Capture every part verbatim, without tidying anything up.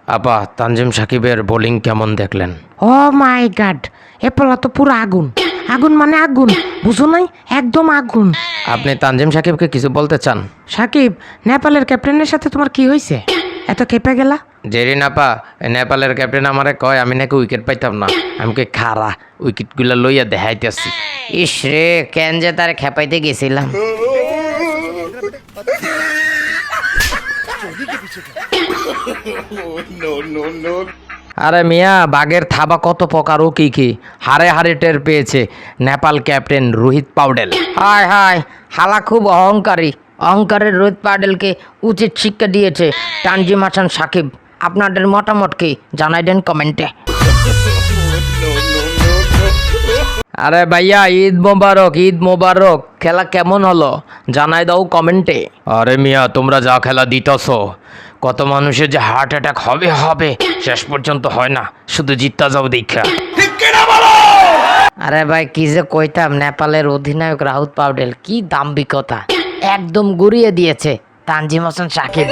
আপা তানজিম সাকিবের বোলিং কেমন দেখলেন? ও মাই গড, এ পোলা তো পুরো আগুন। আগুন মানে আগুন, বুঝো নাই? একদম আগুন। আপনি তানজিম সাকিবকে কিছু বলতে চান? সাকিব, নেপালের ক্যাপ্টেনের সাথে তোমার কি হয়েছে? এত কেঁপে গেলা? জেরিন আপা, নেপালের ক্যাপ্টেন আমারে কয় আমি নাকি উইকেট পাইতাম না। আমি কে খারা উইকেটগুলো লইয়া দেখাইতেছি। ইস রে, কেন যে তার খেপাইতে গেছিলাম। আরে মিয়া, বাঘের থাবা কত প্রকার ও কি কি হারে হারে টের পেয়েছে নেপাল ক্যাপ্টেন রোহিত পাউডেল। হায় হায়, হালা খুব অহংকারী। অহংকারের রোহিত পাউডেলকে উচিত শিক্ষা দিয়েছে তানজিম হাসান সাকিব। আপনাদের মতামত কি জানাই দেন কমেন্টে। আরে ভাইয়া, ঈদ মোবারক, ঈদ মোবারক। খেলা কেমন হলো জানাই দাও কমেন্টে। আরে মিয়া, তোমরা যা খেলা দিতেছ, কত মানুষের যে হার্ট অ্যাটাক হবে হবে শেষ পর্যন্ত হয় না, শুধু জিততা যাও দেখা। আরে ভাই, কি যে কইতাম, নেপালের অধিনায়ক রাহুল পাউডেল কি দাম্ভিকতা, একদম গুড়িয়ে দিয়েছে তানজিম হাসান সাকিব।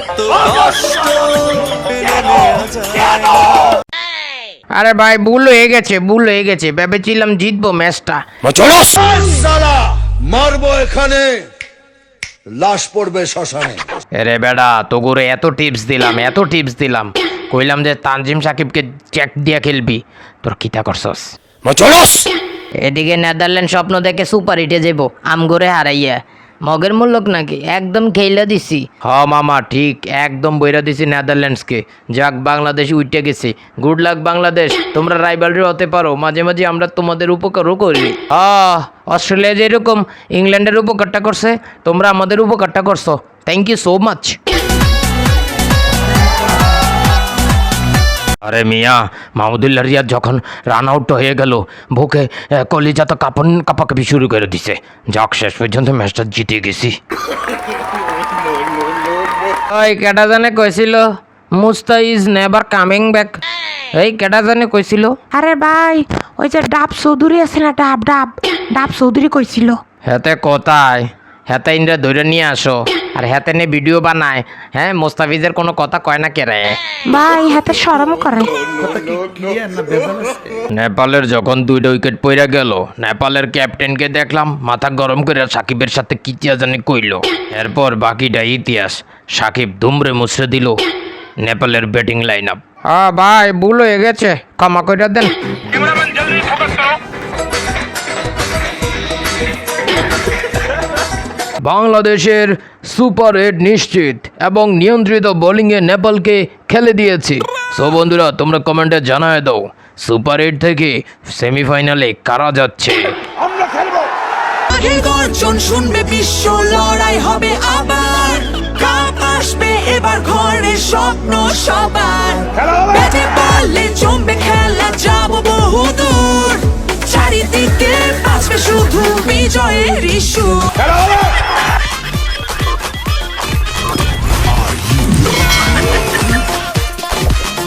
আরে ভাই, ভুল হয়ে গেছে, ভুল হয়ে গেছে। ভেবেছিলাম জিতবো ম্যাচটা। মারবো এখানে, লাশ পড়বে শ্মশানে। আরে বেড়া, তোগুরে এত টিপস দিলাম, এত টিপস দিলাম, কইলাম যে তানজিম সাকিবকে চেক দিয়া খেলবি, তোর কিতা করছস? এদিকে নেদারল্যান্ড স্বপ্ন দেখে সুপার হিটে যাব আমগরে হারাইয়া। মগের মূল্যক নাকি একদম খেইলা দিছি। হ মামা, ঠিক একদম বইরা দিছি নেদারল্যান্ডসকে। যাক, বাংলাদেশ উইটে গেছে। গুড লাক বাংলাদেশ, তোমরা রাইভালরি হতে পারো, মাঝে মাঝে আমরা তোমাদের উপকারও করি। আহ অস্ট্রেলিয়া যেরকম ইংল্যান্ডের উপকারটা করছে, তোমরা আমাদের উপকারটা করছো। Thank you so much. আরে মিয়া, মাহমুদুল্লাহ রিয়াদ যখন রান আউট হয়ে গেল, বুকে কলিজা তো কাপন কাপাকাপি শুরু করে দিছে। যাক, শেষ পর্যন্ত ম্যাচটা জিতে গেছি। ওই কেটা জানে কইছিল Musta is never coming back? এই কেটা জানে কইছিল? আরে ভাই, ওই যে ডাব চৌধুরী আছে না, ডাব ডাব ডাব চৌধুরী কইছিল। হেতে কোথায়? হেতে ইন্দ্রা ধরে নিয়ে আসো, আর হেতে নিয়ে ভিডিও বানায়। হ্যাঁ, মোস্তাফিজের কোনো কথা কয় না কেরে? ভাই, হাতে শরম করে। নেপালের যখন দুইটা উইকেট পইরা গেল, নেপালের ক্যাপ্টেনকে দেখলাম মাথা গরম করে সাকিবের সাথে কি জানি কইল। এরপর বাকিটা ইতিহাস। সাকিব দুমড়ে মুছড়ে দিল নেপালের ব্যাটিং লাইন আপ। হ্যাঁ ভাই, ভুল হয়ে গেছে, ক্ষমা করে দেন। বাংলাদেশের সুপার হিট নিশ্চিত এবং নিয়ন্ত্রিত বোলিংয়ে নেপালকে খেলে দিয়েছি। সো বন্ধুরা, তোমরা কমেন্টে জানায় দাও সুপার হিট থেকে সেমিফাইনালে কারা যাচ্ছে। আমরা খেলবো। গর্জন শুনবে বিশ্ব, লড়াই হবে আবার, কাপ আসবে এবার ঘরে, স্বপ্ন সবার। ব্যাটে বলে জমবে খেলা, যাব বহুদূর, চারিদিকে বাজবে শুধু বিজয়ের ইস্যু।